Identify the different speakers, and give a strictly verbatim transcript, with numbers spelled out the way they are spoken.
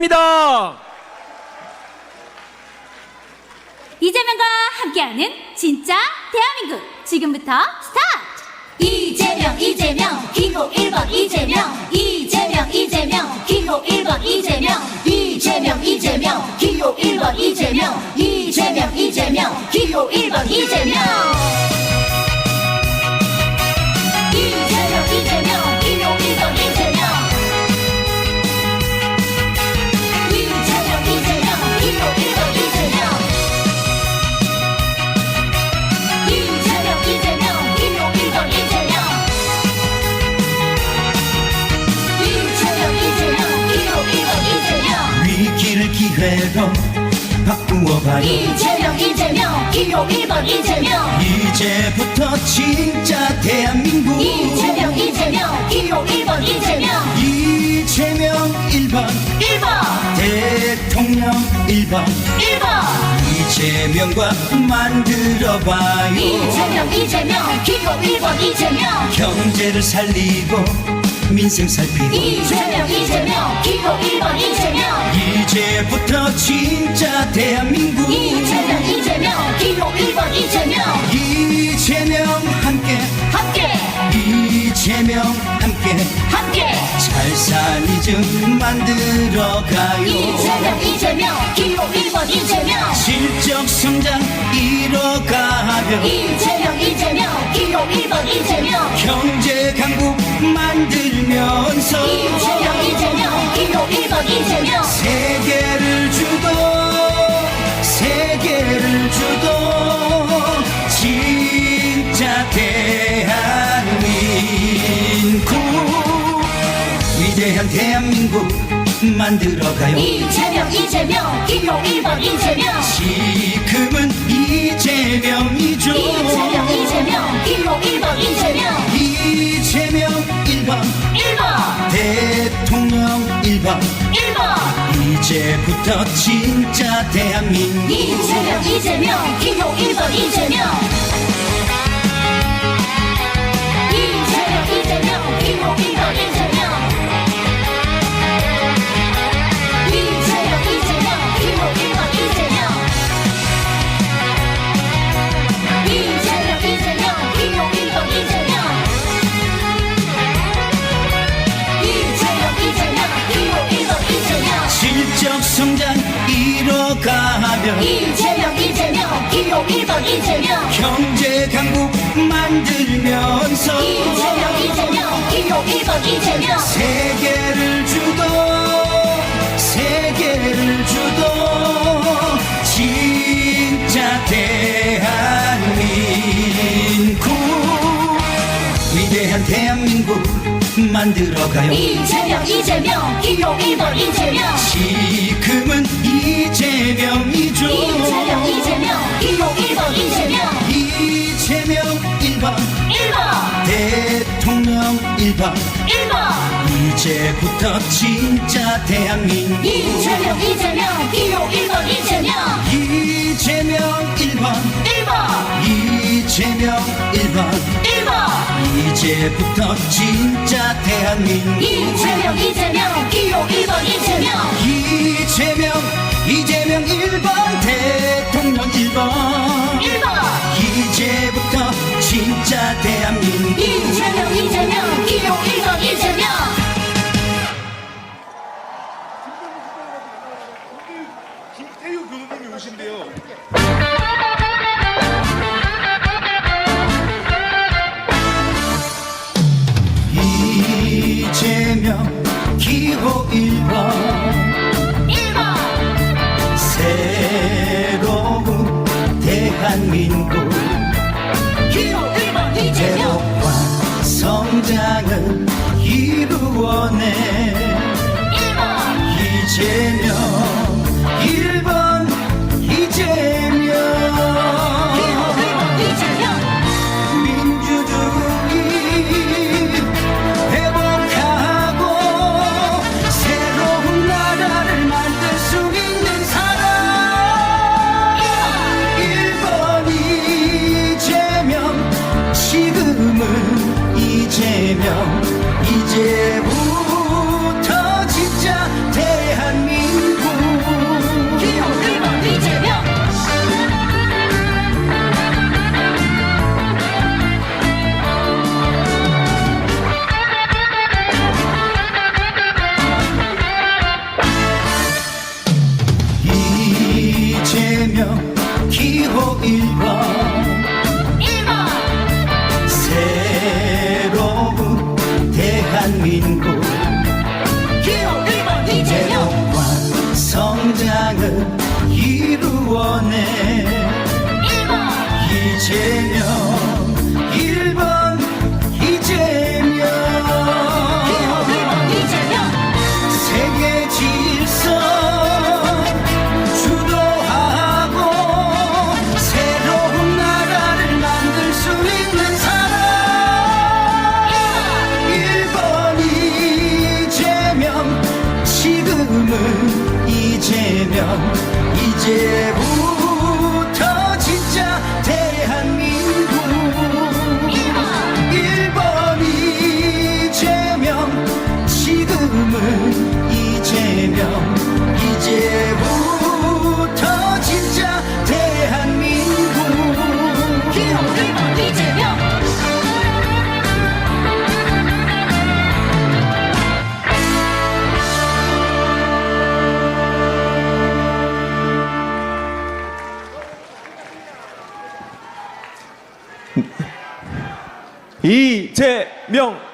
Speaker 1: 입니다.
Speaker 2: 이재명과 함께하는 진짜 대한민국 지금부터 스타트!
Speaker 3: 이재명 이재명 기호 일 번 이재명 이재명 이재명 기호 일 번 이재명 이재명 이재명 기호 일 번 이재명 이재명 이재명 기호 일 번 이재명 이재명 이재명 기호 일 번 이재명 이재명 이재명 기호 일 번 이재명 이재명 이재명 기호 일 번 이재명 이재명 이재명 기호 일 번 이재명
Speaker 4: 위기를 기회로 바꾸어봐요.
Speaker 3: 이재명 이재명 기호 일 번 이재명
Speaker 4: 이제부터 진짜 대한민국
Speaker 3: 이재명 이재명 기호 일 번 이재명
Speaker 4: 이재명 일 번
Speaker 3: 일 번
Speaker 4: 대통령 일 번
Speaker 3: 일 번
Speaker 4: 이재명과 만들어봐요.
Speaker 3: 이재명 이재명 기호 일 번 이재명
Speaker 4: 경제를 살리고 민생 살피고
Speaker 3: 이재명 이재명 기호 일 번 이재명
Speaker 4: 이제부터 진짜 대한민국
Speaker 3: 이재명 이재명 기호 일 번 이재명
Speaker 4: 이재명 함께
Speaker 3: 함께
Speaker 4: 이재명 함께
Speaker 3: 함께
Speaker 4: 잘 살리즘 만들어가요.
Speaker 3: 이재명 이재명 기호 일 번 이재명
Speaker 4: 실적 성장 이뤄가며
Speaker 3: 이재명 이재명 기호 일 번 이재명
Speaker 4: 경제 강국 만들면서
Speaker 3: 이재명 이재명 기호 일 번 이재명
Speaker 4: 세계를 주도 세계를 주도 진짜 대한민국 위대한 대한민국 만들어가요.
Speaker 3: 이재명 이재명 기호 일 번 이재명
Speaker 4: 지금은 이재명이죠.
Speaker 3: 이재명 이재명 기호 일 번 이재명
Speaker 4: 이재명 일 번
Speaker 3: 일 번
Speaker 4: 대통령 일 번
Speaker 3: 일 번
Speaker 4: 이제부터 진짜 대한민국
Speaker 3: 이재명 이재명 기호 일 번 이재명 이재명 이재명 기호 일 번 이재명 이재명 이재명 기호 일 번 이재명 이재명 이재명 기호 일 번 이재명 이재명 이재명 기호 일 번 이재명
Speaker 4: 실적 성장 이뤄가며
Speaker 3: 이재명 이재명 기호 일 번 이재명
Speaker 4: 경제 강국 만들면서
Speaker 3: 이재명 이재명 기호 일 번 이재명
Speaker 4: 세계를 주도 세계를 주도 진짜 대한민국 위대한 대한민국 만들어가요.
Speaker 3: 이재명 이재명 기호 일 번 이재명
Speaker 4: 지금은 이재명이죠.
Speaker 3: 이재명 이재명 기호 일 번 이재명
Speaker 4: 이재명 일 번
Speaker 3: 일 번
Speaker 4: 대통령 일 번
Speaker 3: 일 번
Speaker 4: 이제부터 진짜 대한민국
Speaker 3: 이재명 이재명 기호 일 번 이재명
Speaker 4: 이재명 일 번
Speaker 3: 일 번
Speaker 4: 이재명 일 번
Speaker 3: 일 번
Speaker 4: 이제부터 진짜 대한민국
Speaker 3: 이재명 이재명 기호 일 번 이재명
Speaker 4: 이재명 이재명 일 번 대통령 일 번
Speaker 3: 일 번
Speaker 4: 이제부터 진짜 대한민국
Speaker 3: 이재명 이재명 기호 일 번 이재명
Speaker 1: 김태유 교수님이 오신대요.
Speaker 4: 이재명 기호 일 번
Speaker 3: 일 번
Speaker 4: 새로운 대한민국
Speaker 3: 기호 일 번 이재명
Speaker 4: 회복과 성장을 이루어내
Speaker 3: 일 번
Speaker 4: 이재명 일 번 이재명
Speaker 3: 기호 일 번 이재명
Speaker 4: 민주주의 회복하고 새로운 나라를 만들 수 있는 사람 일 번 이재명 지금은 이재명 이제부터 진짜 대한민국 이루어내
Speaker 3: 일 번
Speaker 4: 이재명 일 번 이재명
Speaker 3: 기호 일 번 이재명
Speaker 4: 세계 질서 주도하고 새로운 나라를 만들 수 있는 사람 일 번 이재명 지금은 이재명 이제부터 진짜 대한민국
Speaker 3: 일 번
Speaker 4: 일 번 이재명 지금은 이재명 이제부터 진짜 대한민국
Speaker 3: 기호 일 번 이재명
Speaker 1: 이재명